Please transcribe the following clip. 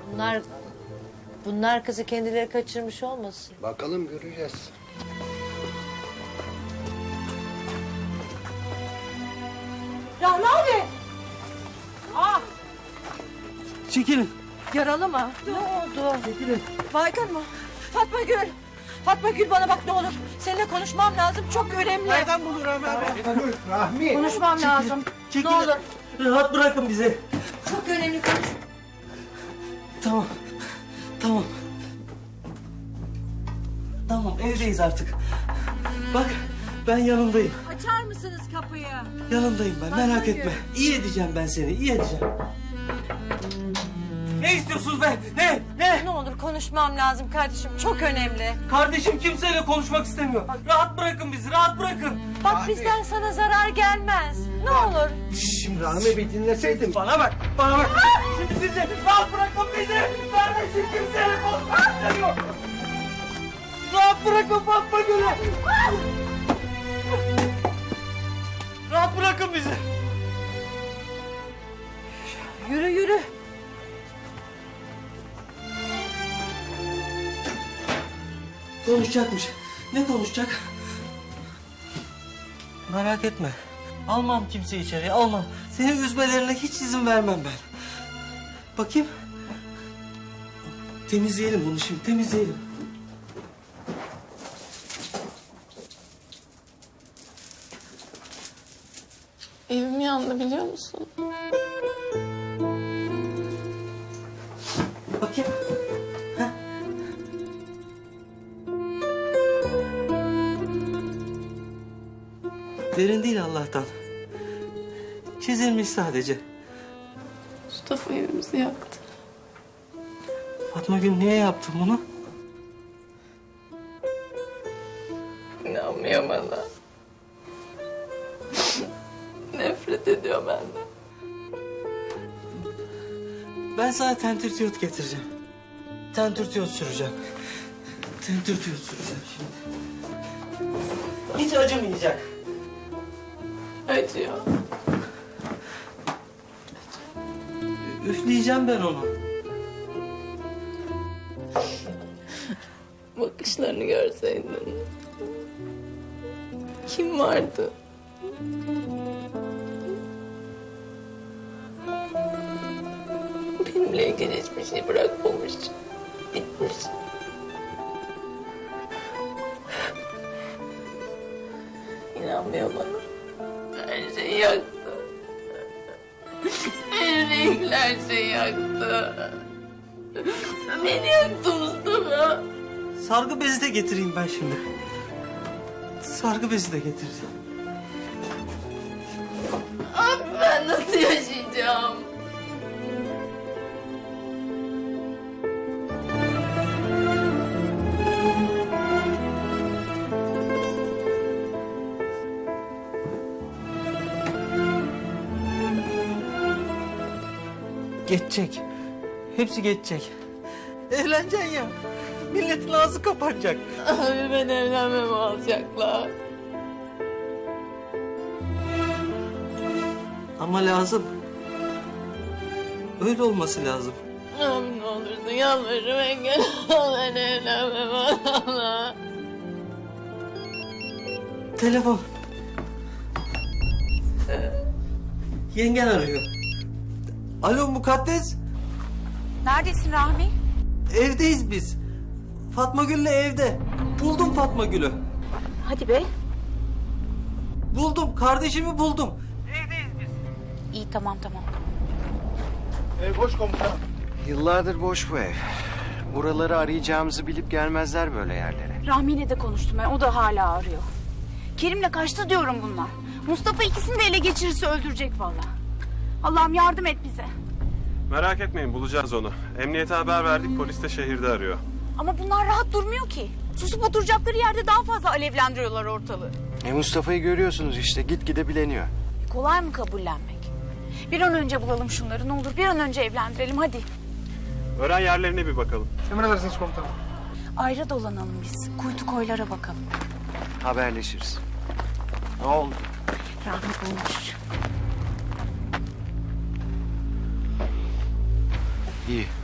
Bunlar kızı kendileri kaçırmış olmasın? Bakalım, göreceğiz. Rahmi abi! Çekilin. Yaralı mı? Ne oldu? Çekilin. Baygın mı? Fatma Gül! Fatma Gül bana bak ne olur. Seninle konuşmam lazım. Çok önemli. Nereden bulur Rahmi abi? Rahmi! Konuşmam lazım. Çekilin. Ne olur. Rahat bırakın bizi. Çok önemli konuş. Tamam. Tamam. Tamam, evdeyiz artık. Bak, ben yanındayım. Açar mısınız kapıyı? Yanındayım ben, merak Fatma etme. İyi edeceğim ben seni, iyi edeceğim. Ne istiyorsunuz be? Ne? Ne olur konuşmam lazım kardeşim. Çok önemli. Kardeşim kimseyle konuşmak istemiyor. Rahat bırakın bizi, rahat bırakın. Bak bizden sana zarar gelmez. Ne olur. Şimdi Rahmi bir dinleseydin. Bana bak. Şimdi sizi rahat bırakın bizi. Kardeşim kimseyle konuşmak istemiyor. Rahat bırakın Fatma Gül'ü. Rahat bırakın bizi. Yürü yürü. Konuşacakmış. Ne konuşacak? Merak etme. Almam kimseyi içeriye, almam. Seni üzmelerine hiç izin vermem ben. Bakayım. Temizleyelim bunu şimdi, temizleyelim. Evim yandı biliyor musun? Bakayım. Heh. Derin değil Allah'tan. Çizilmiş sadece. Mustafa evimizi yaktı. Fatma Gül niye yaptın bunu? İnanmıyor bana. Nefret ediyor benden. Ben sana tentürdiyot getireceğim. Tentürdiyot süreceğim. Tentürdiyot süreceğim şimdi. Hiç acımayacak. Acıyor. Üfleyeceğim ben onu. Bakışlarını görseydin. Kim vardı? Benimle ilgili hiçbir şey bırakmamış. Bitmiş. İnanmıyor bana. Her şeyi yaktı. Her şeyi yaktı. Beni yaktı Mustafa. Sargı bezi de getireyim ben şimdi. Sargı bezi de getireceğim. Abi ben nasıl yaşayacağım? Geçecek. Hepsi geçecek. Evleneceksin ya. Milletin ağzı kapanacak. Abi ben evlenmemi alacaklar. Ama lazım. Öyle olması lazım. Abi ne olursun yalvarırım engel ol ben evlenmemi alacaklar. Telefon. Yengen arıyor. Alo Mukaddes. Neredesin Rahmi? Evdeyiz biz. Fatma Gül'le evde. Buldum Fatma Gül'ü. Hadi be. Buldum. Kardeşimi buldum. İyi tamam. Yıllardır boş bu ev. Buraları arayacağımızı bilip gelmezler böyle yerlere. Rahmi'yle de konuştum ben. O da hala arıyor. Kerim'le kaçtı diyorum bunlar. Mustafa ikisini de ele geçirirse öldürecek vallahi. Allah'ım yardım et bize. Merak etmeyin, bulacağız onu. Emniyete haber verdik, polis de şehirde arıyor. Ama bunlar rahat durmuyor ki. Susup oturacakları yerde daha fazla alevlendiriyorlar ortalığı. Mustafa'yı görüyorsunuz işte, gitgide bileniyor. Kolay mı kabullenmek? Bir an önce bulalım şunları ne olur. Bir an önce evlendirelim hadi. Öğren yerlerine bir bakalım. Ayrı dolanalım biz. Kuytu koylara bakalım. Haberleşiriz. Ne oldu? Rahmi bulmuş. İyi.